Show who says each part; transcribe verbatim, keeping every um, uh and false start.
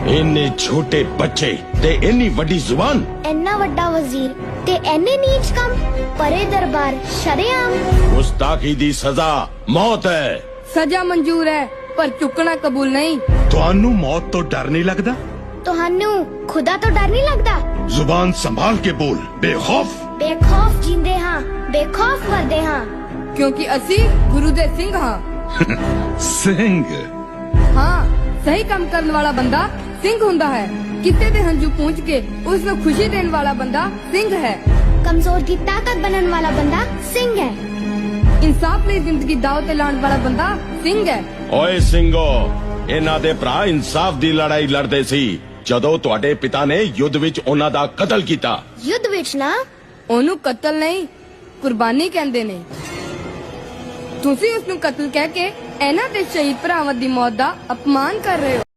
Speaker 1: इन्ने छोटे बच्चे ते इन्नी वड्डी जुबान,
Speaker 2: इन्ना वड्डा वजीर ते इन्ने नीच कम, परे दरबार शरेआम।
Speaker 1: गुस्ताखी दी सजा मौत है।
Speaker 3: सजा मंजूर है पर चुकना कबूल नहीं।
Speaker 4: ਤੁਹਾਨੂੰ मौत तो डर नहीं लगता?
Speaker 2: ਤੁਹਾਨੂੰ खुदा तो डर नहीं लगता?
Speaker 4: जुबान संभाल के बोल, बेखौफ।
Speaker 2: बेखौफ जींदे हाँ, बेखौफ मरदे हाँ।
Speaker 3: क्योंकि असी गुरु दे सिंह हाँ।
Speaker 4: सिंह
Speaker 3: हाँ, सही काम करने वाला बंदा सिंह हुंदा है। किते दे हंजू पूंछ के उसमें खुशी देने वाला बंदा सिंह है।
Speaker 2: कमजोर की ताकत बनने वाला बंदा सिंह है।
Speaker 3: इंसाफ ਲਈ ਜ਼ਿੰਦਗੀ ਦਾਅ ਤੇ ਲਾਉਣ ਵਾਲਾ ਬੰਦਾ ਸਿੰਘ ਹੈ।
Speaker 1: ਓਏ ਸਿੰਘੋ, ਇਹਨਾਂ ਦੇ ਭਰਾ ਇਨਸਾਫ ਦੀ ਲੜਾਈ ਲੜਦੇ ਸੀ ਜਦੋਂ ਤੁਹਾਡੇ ਪਿਤਾ ਨੇ ਯੁੱਧ ਵਿੱਚ ਉਹਨਾਂ ਦਾ ਕਤਲ ਕੀਤਾ।
Speaker 2: युद्ध विच ना
Speaker 3: ਉਹਨੂੰ ਕਤਲ ਨਹੀਂ ਕੁਰਬਾਨੀ ਕਹਿੰਦੇ ਨੇ। ਤੁਸੀਂ ਉਸ ਨੂੰ ਕਤਲ ਕਹਿ ਕੇ ਇਹਨਾਂ ਦੇ ਸ਼ਹੀਦ ਭਰਾਵਾਂ ਦੀ ਮੌਤ ਦਾ ਅਪਮਾਨ ਕਰ ਰਹੇ ਹੋ।